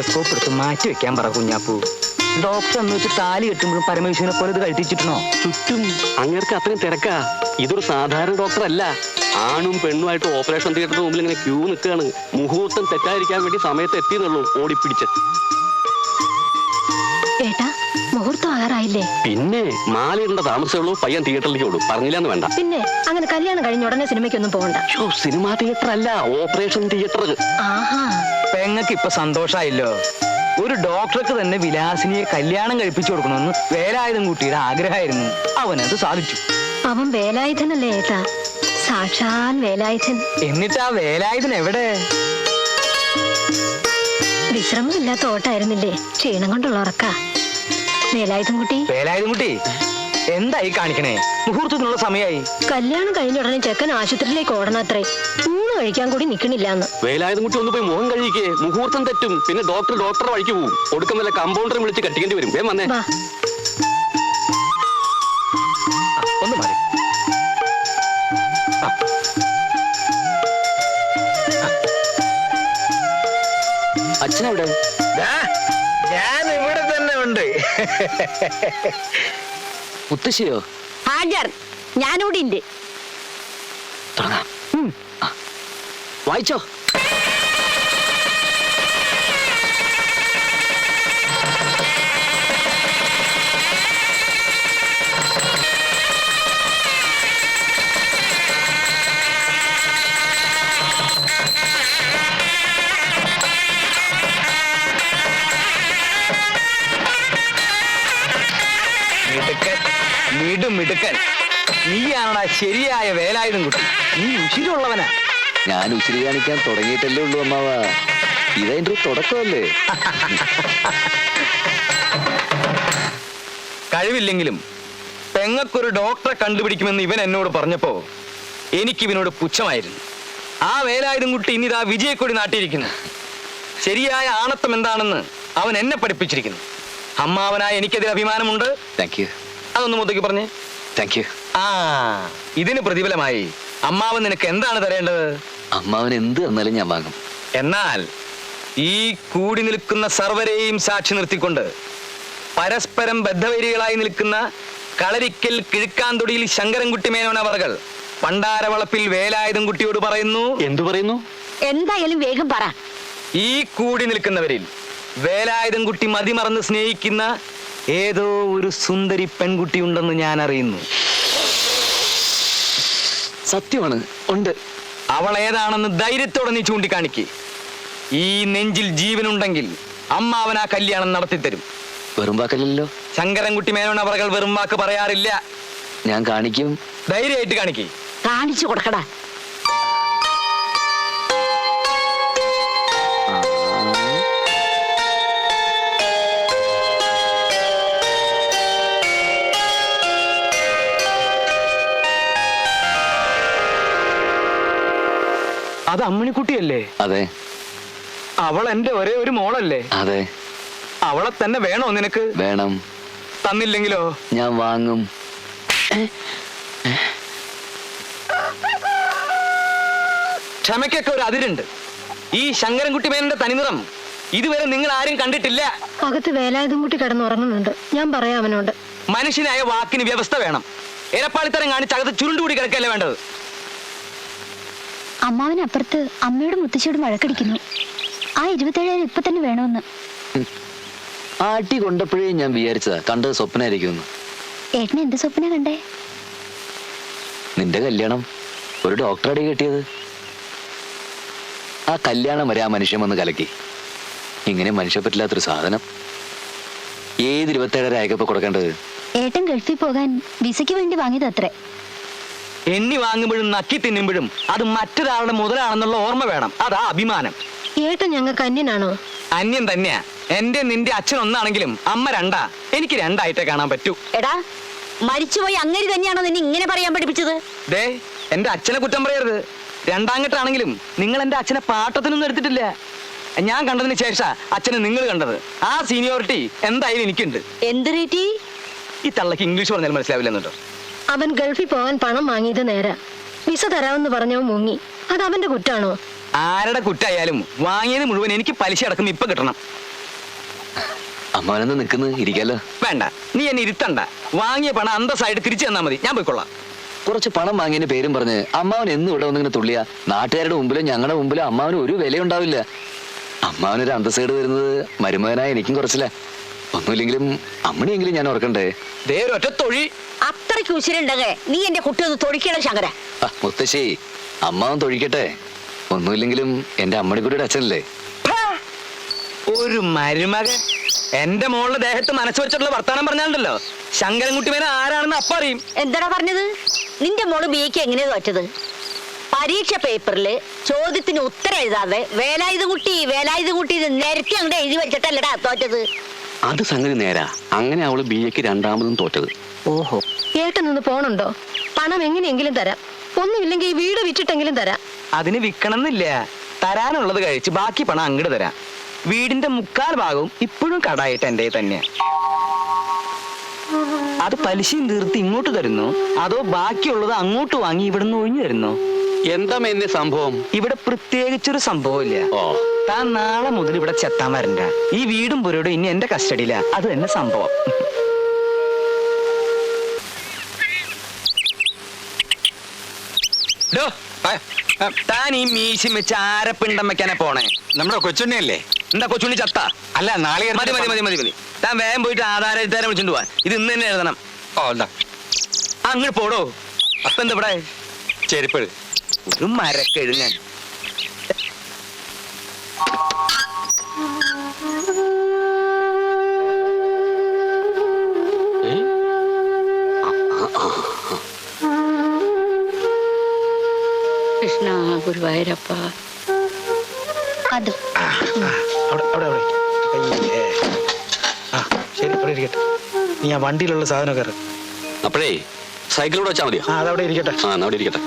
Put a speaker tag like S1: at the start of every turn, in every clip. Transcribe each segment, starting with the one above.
S1: Telescope എടുത്ത് മാറ്റി വെക്കാൻ പറ കുഞ്ഞാപ്പൂ. ഡോക്ടർ എന്ന് വെച്ച് താലി കെട്ടുമ്പോഴും പരമേശ്വരനെ പോലെ ഇത് കഴിച്ചിട്ടുണ്ടോ?
S2: ചുറ്റും അങ്ങേർക്ക് അത്രയും തിരക്കാ. ഇതൊരു സാധാരണ ഡോക്ടർ അല്ല. ആണും പെണ്ണുമായിട്ട് ഓപ്പറേഷൻ തിയേറ്ററിന് മുമ്പിൽ ഇങ്ങനെ ക്യൂ നിൽക്കുകയാണ്. മുഹൂർത്തം തെറ്റാതിരിക്കാൻ വേണ്ടി സമയത്ത് എത്തിയെന്നുള്ളൂ ഓടിപ്പിടിച്ച്.
S3: ഏട്ടാ, മുഹൂർത്തം ആകാറായില്ലേ?
S2: പിന്നെ മാലയിടേണ്ട താമസമുള്ളൂ. പയ്യൻ തിയേറ്ററിലേക്ക് ഓടും. പറഞ്ഞില്ലാന്ന് വേണ്ട.
S3: പിന്നെ അങ്ങനെ കല്യാണം കഴിഞ്ഞ ഉടനെ സിനിമയ്ക്കൊന്നും പോകണ്ട.
S2: സിനിമാ തിയേറ്റർ അല്ല, ഓപ്പറേഷൻ തിയേറ്റർ.
S3: ആഹാ,
S1: പെങ്ങൾക്ക് ഇപ്പൊ സന്തോഷായില്ലോ. ഒരു ഡോക്ടർക്ക് തന്നെ വിലാസിനിയെ കല്യാണം കഴിപ്പിച്ചു കൊടുക്കണമെന്ന് വേലായുധം കുട്ടിയുടെ ആഗ്രഹമായിരുന്നു. അവനത് സാധിച്ചു.
S3: അവൻ വേലായുധനല്ലേ ഏട്ടാ? സാക്ഷാൽ വേലായുധൻ.
S1: എന്നിട്ട് ആ വേലായുധൻ എവിടെ?
S3: വിശ്രമമില്ലാത്ത ഓട്ടായിരുന്നില്ലേ? ക്ഷീണം കൊണ്ടുള്ള ഉറക്ക. വേലായുധം കുട്ടി,
S1: വേലായുധം കുട്ടി എന്തായി കാണിക്കണേ? മുഹൂർത്തത്തിനുള്ള സമയമായി.
S3: കല്യാണം കഴിഞ്ഞ ഉടനെ ചെക്കൻ ആശുപത്രിയിലേക്ക് ഓടണത്രേ. ഊണ് കഴിക്കാൻ കൂടി നിക്കണില്ലാന്ന്.
S2: വേലായുധം കുട്ടി ഒന്ന് പോയി മുഖം കഴിക്കേ. മുഹൂർത്തം തെറ്റും. പിന്നെ ഡോക്ടറെ വഴിക്ക് പോകും. ഒടുക്കം വല്ല കമ്പൗണ്ടറെ വിളിച്ച് കട്ടിക്കേണ്ടി വരും. വേം വന്നേ.
S1: ഒന്ന് മാറി.
S2: അച്ഛനെവിടെ?
S1: ഞാൻ ഇവിടെ തന്നെ ഉണ്ട്.
S2: മുത്തശ്ശിയോ?
S3: ഹാജർ, ഞാനിവിടെ ഉണ്ട്.
S2: വായിച്ചോ.
S1: മിടുക്കൻ, നീയാണടാ ശരിയായ വേലായുധം കുട്ടി. നീ ഉശിരുള്ളവനാ.
S2: ഞാൻ ഉച്ചിരി കാണിക്കാൻ തുടങ്ങിയിട്ടല്ലേ ഉള്ളൂ അമ്മാവ. ഇതെന്റെ തുടക്കമല്ലേ.
S1: കഴിവില്ലെങ്കിലും പെങ്ങൾക്കൊരു ഡോക്ടറെ കണ്ടുപിടിക്കുമെന്ന് ഇവൻ എന്നോട് പറഞ്ഞപ്പോ എനിക്കിവനോട് പുച്ഛമായിരുന്നു. ആ വേലായുധം കുട്ടി ഇന്നിതാ വിജയക്കൊടി നാട്ടിയിരിക്കുന്നു. ശരിയായ ആണത്വം എന്താണെന്ന് അവൻ എന്നെ പഠിപ്പിച്ചിരിക്കുന്നു. അമ്മാവനായ എനിക്കതിൽ അഭിമാനമുണ്ട്. അതൊന്ന് മുതക്കി പറഞ്ഞേ. ആ, ഇതിന് പ്രതിഫലമായി അമ്മാവൻ നിനക്ക് എന്താണ് തരേണ്ടത്?
S2: അമ്മാവൻ എന്ത് തന്നാലും ഞാൻ വാങ്ങും.
S1: എന്നാൽ ഈ കൂടി നിൽക്കുന്ന സർവരെയും സാക്ഷി നിർത്തിക്കൊണ്ട് പരസ്പരം ബദ്ധവൈരികളായി നിൽക്കുന്ന കളരിക്കൽ കിഴുക്കാന്തൊടിയിൽ ശങ്കരൻകുട്ടി മേനോൻ അവർകൾ പണ്ടാരവളപ്പിൽ വേലായുധം കുട്ടിയോട് പറയുന്നു.
S2: എന്തു പറയുന്നു?
S3: എന്തായാലും വേഗം പറ.
S1: ഈ കൂടി നിൽക്കുന്നവരിൽ വേലായുധം കുട്ടി മതിമറന്ന് സ്നേഹിക്കുന്ന ഏതോ ഒരു സുന്ദരി പെൺകുട്ടി ഉണ്ടെന്ന് ഞാൻ അറിയുന്നു.
S2: സത്യമാണ്, ഉണ്ട്.
S1: അവൾ ഏതാണെന്ന് ധൈര്യത്തോടെ നീ ചൂണ്ടിക്കാണിക്ക്. ഈ നെഞ്ചിൽ ജീവനുണ്ടെങ്കിൽ അമ്മാവൻ ആ കല്യാണം നടത്തിത്തരും.
S2: വെറും വാക്കല്ലോ.
S1: ശങ്കരൻകുട്ടി മേനോൻ അവர்கள் വെറും വാക്ക് പറയാറില്ല.
S2: ഞാൻ കാണിക്കും.
S1: ധൈര്യമായിട്ട് കാണിക്ക്.
S3: കാണിച്ചു കൊടുക്കടാ.
S1: അത് അമ്മിണിക്കുട്ടിയല്ലേ?
S2: അതെ.
S1: അവൾ എന്റെ ഒരേ ഒരു മോളല്ലേ?
S2: അതെ.
S1: അവളെ തന്നെ വേണോ നിനക്ക്?
S2: വേണം.
S1: തന്നില്ലെങ്കിലോ?
S2: ഞാൻ വാങ്ങും.
S1: ക്ഷമയ്ക്കൊക്കെ ഒരു അതിരുണ്ട്. ഈ ശങ്കരൻകുട്ടി മേനന്റെ തനിനിറം ഇതുവരെ നിങ്ങൾ ആരും കണ്ടിട്ടില്ല.
S3: അകത്ത് വേലായുധം കുട്ടി കിടന്നുറങ്ങുന്നുണ്ട്. ഞാൻ പറയാം അവനോട്.
S1: മനുഷ്യനായ വാക്കിന് വ്യവസ്ഥ വേണം. എരപ്പാളിത്തരം കാണിച്ച് അകത്ത് ചുരുണ്ടുകൂടി കിടക്കല്ലേ വേണ്ടത്.
S3: അമ്മാവനപ്പുറത്ത് അമ്മയോടും മുത്തശ്ശിയോടും വഴക്കടിക്കുന്നു. ആ 27,000 ഇപ്പൊ തന്നെ വേണമെന്ന്.
S2: ആട്ടി കൊണ്ടപ്പോഴേ ഞാൻ വിചാരിച്ചതാ കണ്ടത് സ്വപ്നമായിരിക്കുമെന്ന്.
S3: ഏട്ടന് എന്ത് സ്വപ്ന കണ്ടേ?
S2: നിന്റെ കല്യാണം, ഒരു ഡോക്ടറടി കെട്ടിയത്. ആ കല്യാണം വരെ ആ മനുഷ്യൻ വന്ന് കലക്കി. ഇങ്ങനെ മനുഷ്യ പറ്റില്ലാത്തൊരു സാധനം. ഏത് 27,000 അയക്കപ്പോ കൊടുക്കേണ്ടത്?
S3: ഏട്ടൻ ഗൾഫിൽ പോകാൻ വിസയ്ക്ക് വേണ്ടി വാങ്ങിയത് അത്രേ.
S1: എണ്ണി വാങ്ങുമ്പോഴും നക്കി തിന്നുമ്പോഴും അത് മറ്റൊരാളുടെ മുതലാണെന്നുള്ള ഓർമ്മ വേണം. അതാ അഭിമാനം.
S3: ഏട്ടൻ ഞങ്ങൾക്ക് അന്യനാണോ?
S1: അന്യം തന്നെയാ. എന്റെ നിന്റെ അച്ഛൻ ഒന്നാണെങ്കിലും അമ്മ രണ്ടാ. എനിക്ക് രണ്ടായിട്ടേ കാണാൻ പറ്റൂ.
S3: എടാ, മരിച്ചുപോയി അങ്ങേര് തന്നെയാണോ നിന്നെ ഇങ്ങനെ പറയാൻ പഠിപ്പിച്ചത്?
S1: ദേ, എന്റെ അച്ഛനെ കുറ്റം പറയരുത്. രണ്ടാങ്കട്ടാണെങ്കിലും നിങ്ങൾ എന്റെ അച്ഛനെ പാട്ടത്തിനൊന്നും എടുത്തിട്ടില്ല. ഞാൻ കണ്ടതിന് ശേഷം അച്ഛനെ നിങ്ങൾ കണ്ടത്. ആ സീനിയോറിറ്റി എന്തായാലും എനിക്കുണ്ട്.
S3: എന്ത് റേറ്റി?
S1: ഈ തള്ളക്ക് ഇംഗ്ലീഷ് പറഞ്ഞാൽ മനസ്സിലാവില്ലെന്നുണ്ടോ?
S3: അവൻ ഗൾഫിൽ പോകാൻ പണം വാങ്ങിയത് നേരാ. വിസ തരാമെന്ന് പറഞ്ഞവൻ മുങ്ങി. അത് അവന്റെ കുറ്റാണോ?
S1: ആരുടെ കുറ്റായാലും വാങ്ങിയത് മുഴുവൻ എനിക്ക് പലിശ അടക്കം ഇപ്പൊ കിട്ടണം.
S4: അമ്മാവനെന്ന് നിൽക്കുന്നു, ഇരിക്കാലോ.
S1: വേണ്ട, നീ എന്നെ ഇരുത്തണ്ട. വാങ്ങിയ പണം അന്തസ്സായിട്ട് തിരിച്ചു തന്നാ മതി, ഞാൻ പോയിക്കൊള്ളാം.
S4: കുറച്ച് പണം വാങ്ങിയതിന് പേരും പറഞ്ഞ് അമ്മാവൻ എന്നും ഇവിടെ വന്നിങ്ങനെ തുള്ളിയ നാട്ടുകാരുടെ മുമ്പിലും ഞങ്ങളുടെ മുമ്പിലും അമ്മാവന് ഒരു വിലയുണ്ടാവില്ല. അമ്മാവനൊരു അന്തസ്സേട് വരുന്നത് മരുമകനായ എനിക്കും കുറച്ചില്ല. ഒന്നുമില്ലെങ്കിലും അമ്മണിയെങ്കിലും ഞാൻ ഓർക്കണ്ടേ.
S1: ദേ ഒരൊറ്റ തൊഴി.
S5: അത്രയ്ക്ക് ഉശിരുണ്ടെങ്കിൽ നീ എന്റെ കുട്ടി ഒന്ന് തൊടിക്കണം ശങ്കര.
S4: മുത്തശ്ശി, അമ്മാവൻ തൊഴിക്കട്ടെ. ഒന്നുമില്ലെങ്കിലും എന്റെ അമ്മണിക്കുട്ടിയുടെ അച്ഛനല്ലേ.
S1: ഒരു മരുമകൻ എന്റെ മോളുടെ ദേഹത്ത് മനസ്സ് വെച്ചിട്ടുള്ള വർത്താനം പറഞ്ഞാലുണ്ടല്ലോ, ശങ്കരൻകുട്ടി മേനെ ആരാണെന്ന് അപ്പ അറിയും.
S5: എന്താടാ പറഞ്ഞത്? നിന്റെ മോള് ബിക്ക് എങ്ങനെയാ തോറ്റത്? പരീക്ഷ പേപ്പറില് ചോദ്യത്തിന് ഉത്തരം എഴുതാതെ വേലായുധ കുട്ടി നിരത്തി അങ്ങോട്ട് എഴുതി വെച്ചിട്ടല്ലടാ തോറ്റത്.
S2: അത് സംഗതി നേരാ. അങ്ങനെ അവള് BAക്ക് രണ്ടാമതും തോറ്റത്.
S5: ഓഹോ,
S6: ഏട്ടൻ നിന്ന് പോണുണ്ടോ? പണം എങ്ങനെയെങ്കിലും തരാം, ഒന്നുമില്ലെങ്കിൽ ഈ വീട് വിറ്റിട്ടെങ്കിലും തരാം.
S1: അതിന് വിൽക്കണമെന്നില്ല, തരാനുള്ളത് കഴിച്ച് ബാക്കി പണം അങ്ങോട്ട് തരാം. വീടിന്റെ 3/4 ഭാഗവും ഇപ്പോഴും കടായിട്ട് എന്റെ തന്നെയാ. അത് പലിശയും തീർത്ത് ഇങ്ങോട്ട് തരുന്നു, അതോ ബാക്കിയുള്ളത് അങ്ങോട്ട് വാങ്ങി ഇവിടുന്ന് ഒഴിഞ്ഞു തരുന്നു?
S2: എന്താ എന്നെ സംഭവം?
S1: ഇവിടെ പ്രത്യേകിച്ചൊരു സംഭവമില്ല.
S2: ഓ,
S1: താൻ നാളെ മുതൽ ഇവിടെ ചെത്താൻ വരണ്ട. ഈ വീടും പുരയോടും ഇനി എന്റെ കസ്റ്റഡിയില. അത് തന്നെ സംഭവം. ഡോ, താൻ ഈ മീശം വെച്ച് ആരപ്പിണ്ടം വെക്കാനെ പോണേ?
S7: നമ്മുടെ കൊച്ചുണ്ണിയല്ലേ?
S1: എന്താ കൊച്ചുണ്ണി ചത്ത?
S7: അല്ല, നാളെ
S1: മതി മതി മതി മതി മതി. താൻ വേഗം പോയിട്ട് ആധാരം എഴുതാരെ വിളിച്ചിട്ട് പോവാൻ. ഇത് ഇന്ന് തന്നെ എഴുതണം.
S7: ഓ, എന്താ
S1: അങ്ങോട്ട് പോടോ. അപ്പൊ എന്താ ഇവിടെ
S7: ചെരുപ്പ്?
S1: ഒരു മരക്കെഴുങ്ങാൻ.
S5: കൃഷ്ണ ഗുരുവായൂരപ്പ.
S3: അതും
S7: അവിടെ അവിടെ അവിടെ അയ്യേ. ആ ശരി, അവിടെ ഇരിക്കട്ടെ. നീ ആ വണ്ടിയിലുള്ള സാധനം കയറി.
S2: അപ്പോഴേ സൈക്കിളിലൂടെ വെച്ചാൽ മതിയോ?
S7: ആ, അതവിടെ ഇരിക്കട്ടെ.
S2: ആ, എന്നാ അവിടെ ഇരിക്കട്ടെ.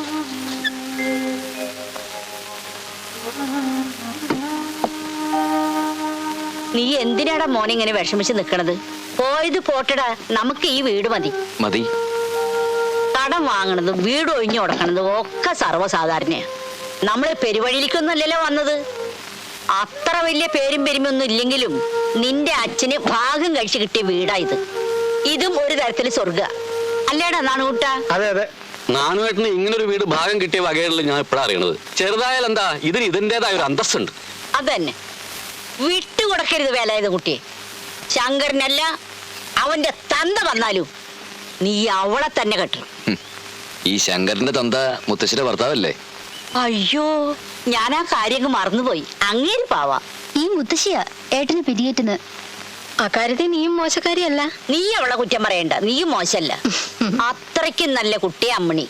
S5: നീ എന്തിനാടാ മോനെ ഇങ്ങനെ വിഷമിച്ച് നിക്കണത്? പോയത് പോട്ടടാ, നമുക്ക് ഈ വീട് മതി.
S4: മതി.
S5: കടം വാങ്ങണതും വീട് ഒഴിഞ്ഞു കൊടുക്കണതും ഒക്കെ സർവ്വസാധാരണയാ. നമ്മള് പെരുവഴിയിലേക്കൊന്നുമല്ലല്ലോ വന്നത്. അത്ര വലിയ പേരും പെരുമയൊന്നും ഇല്ലെങ്കിലും നിന്റെ അച്ഛന് ഭാഗം കഴിച്ച് കിട്ടിയ വീടാ ഇത്. ഇതും ഒരു തരത്തില് സ്വർഗ അല്ലേടാ നാണുകൂട്ട?
S7: അതെ അതെ.
S2: നാനുവേട്ടന് ഇങ്ങനൊരു വീട് ഭാഗം കിട്ടിയ വകകളിൽ ഞാൻ ഇപ്പോഴാണ് അറിയണത്. ചെറുതായാൽ എന്താ, ഇതിന് ഇതിൻ്റെതായ ഒരു അന്തസ്സുണ്ട്.
S5: അതന്നെ, വിട്ടുകൊടുക്കരുത് വേലായുധ കുട്ടിയെ. ശങ്കരനല്ല, അവന്റെ തന്ത വന്നാലും നീ അവളെ തന്നെ കെട്ടണം.
S4: ഈ ശങ്കരന്റെ തന്ത മുത്തശ്ശിയുടെ ഭർത്താവല്ലേ?
S5: അയ്യോ, ഞാൻ ആ കാര്യം മറന്നുപോയി. അങ്ങേര് പാവാ.
S3: ഈ മുത്തശ്ശിയാ ഏട്ടന് പിരിയേറ്റുന്നത്.
S6: അക്കാര്യത്തിൽ നീയും മോശക്കാരിയല്ല.
S5: നീ അവളെ കുറ്റം പറയണ്ട, നീയും മോശല്ല. അത്രയ്ക്കും നല്ല കുട്ടി അമ്മണി.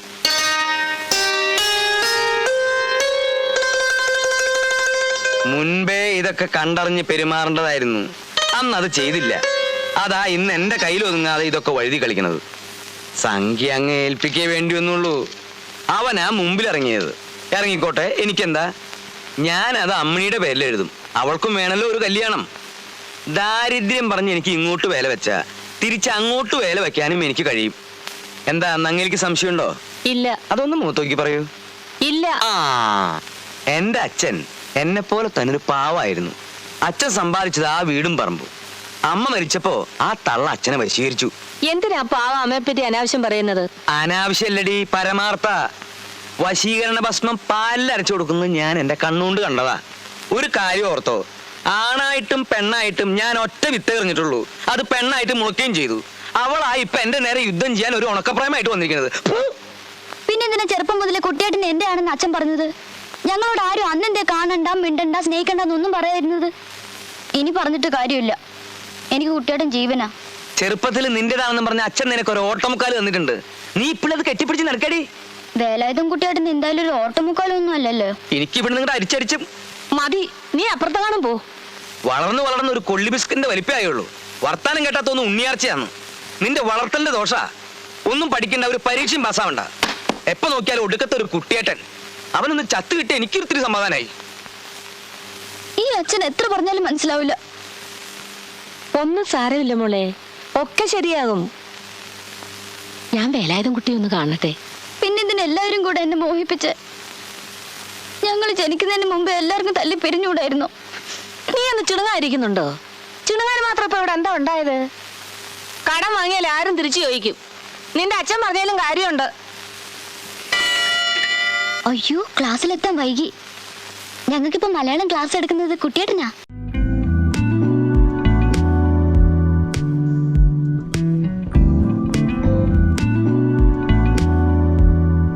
S1: മുൻപേ ഇതൊക്കെ കണ്ടറിഞ്ഞ് പെരുമാറേണ്ടതായിരുന്നു. അന്ന് അത് ചെയ്തില്ല. അതാ ഇന്ന് എന്റെ കയ്യിൽ ഒതുങ്ങാതെ ഇതൊക്കെ വഴുതി കളിക്കണത്. സംഖ്യ അങ്ങ് ഏൽപ്പിക്കേ വേണ്ടി വന്നുള്ളൂ. അവനാ മുമ്പിൽ ഇറങ്ങിയത്. ഇറങ്ങിക്കോട്ടെ, എനിക്കെന്താ. ഞാനത് അമ്മണിയുടെ പേരിൽ എഴുതും. അവൾക്കും വേണമല്ലോ ഒരു കല്യാണം. ദാരിദ്ര്യം പറഞ്ഞ് എനിക്ക് ഇങ്ങോട്ട് വേല വെച്ചാ തിരിച്ച് അങ്ങോട്ട് വേല വെക്കാനും എനിക്ക് കഴിയും. എന്താ നങ്ങേലിക്ക് സംശയമുണ്ടോ?
S6: ഇല്ല.
S1: അതൊന്ന് മുഖത്തോക്കി പറയൂ.
S6: ഇല്ല.
S1: ആ, എന്റെ അച്ഛൻ എന്നെ പോലെ തന്നെ ഒരു പാവായിരുന്നു. അച്ഛൻ സമ്പാദിച്ചത് ആ വീടും പറമ്പും. അമ്മ മരിച്ചപ്പോ ആ തള്ള അച്ഛനെ വശീകരിച്ചു.
S6: എന്തിനാ പാവ അമ്മയെ പറ്റി അനാവശ്യം പറയുന്നത്?
S1: അനാവശ്യല്ലടി, പരമാർത്ഥ. വശീകരണ ഭസ്മം പാലിലരച്ചു കൊടുക്കുന്നത് ഞാൻ എന്റെ കണ്ണുകൊണ്ട് കണ്ടതാ. ഒരു കാര്യം ഓർത്തോ, ആണായിട്ടും പെണ്ണായിട്ടും ഞാൻ ഒറ്റ വിത്ത് എറിഞ്ഞിട്ടുള്ളൂ. അത് പെണ്ണായിട്ട് മുളയ്ക്കുകയും ചെയ്തു. അവളായി ഇപ്പൊ എന്റെ നേരെ യുദ്ധം ചെയ്യാൻ ഒരു ഉണക്കപ്രായമായിട്ട് വന്നിരിക്കുന്നത്.
S3: പിന്നെന്തിനാ ചെറുപ്പം മുതലേ കുട്ടിയേട്ടൻ എന്റെ ആണെന്ന് അച്ഛൻ പറഞ്ഞത്? ഞങ്ങളോട് ആരും അന്നെന്തേ കാണണ്ട, മിണ്ടണ്ട, സ്നേഹിക്കണ്ടെന്നൊന്നും പറയാതിരുന്നത്? ഇനി പറഞ്ഞിട്ട് കാര്യമില്ല. എനിക്ക് കുട്ടിയേട്ടൻ ജീവനാ.
S1: ചെറുപ്പത്തിൽ നിന്റേതാണെന്ന് പറഞ്ഞ അച്ഛൻ നിനക്ക് ഒരു ഓട്ടമുക്കാല് തന്നിട്ടുണ്ട്. നീ ഇപ്പോഴത് കെട്ടിപ്പിടിച്ച് നടക്കടി.
S3: വേലായുധം കുട്ടിയേട്ടൻ എന്തായാലും ഒരു ഓട്ടമുക്കാലൊന്നും അല്ലല്ലോ.
S1: എനിക്ക് ഇവിടെ നിങ്ങളുടെ അരിച്ചരിച്ചും
S6: മതി, നീ അപ്പുറത്തെ കാണും പോ.
S1: വളർന്ന് ഒരു കൊള്ളി ബിസ്കിന്റെ വലിപ്പമായുള്ളൂ. വർത്താനം കേട്ടാത്തൊന്നും ഉണ്ണിയാർച്ചയാണ്. നിന്റെ വളർത്തലിന്റെ ദോഷ. ഒന്നും പഠിക്കേണ്ട, ഒരു പരീക്ഷയും പാസ്സാവണ്ട. എപ്പോ നോക്കിയാലും ഒടുക്കത്തെ ഒരു കുട്ടിയേട്ടൻ. അവനൊന്ന് ചത്ത് കിട്ടി എനിക്കൊരിത്തിരി സമാധാനായി.
S3: ഈ അച്ഛൻ എത്ര പറഞ്ഞാലും മനസ്സിലാവില്ല.
S6: ഒന്നും സാരമില്ല മോളെ, ഒക്കെ ശരിയാകും. ഞാൻ വേലായുധം കുട്ടി ഒന്ന് കാണട്ടെ.
S3: പിന്നെന്തിനെല്ലാവരും കൂടെ എന്നെ മോഹിപ്പിച്ച്? ഞങ്ങൾ ജനിക്കുന്നതിന് മുമ്പ് എല്ലാവർക്കും തല്ലി പിരിഞ്ഞുകൂടായിരുന്നു.
S6: നീ ഒന്ന് ചുണങ്ങായിരിക്കുന്നുണ്ടോ? ചിണുങ്ങാൻ മാത്രം ഇപ്പൊ ഇവിടെ എന്താ ഉണ്ടായത്? കടം വാങ്ങിയാൽ ആരും തിരിച്ചു ചോദിക്കും. നിന്റെ അച്ഛൻ പറഞ്ഞാലും കാര്യമുണ്ട്.
S3: അയ്യോ, ക്ലാസ്സിലെത്താൻ വൈകി. ഞങ്ങൾക്കിപ്പോ മലയാളം ക്ലാസ് എടുക്കുന്നത് കുട്ടിയേട്ടനാ.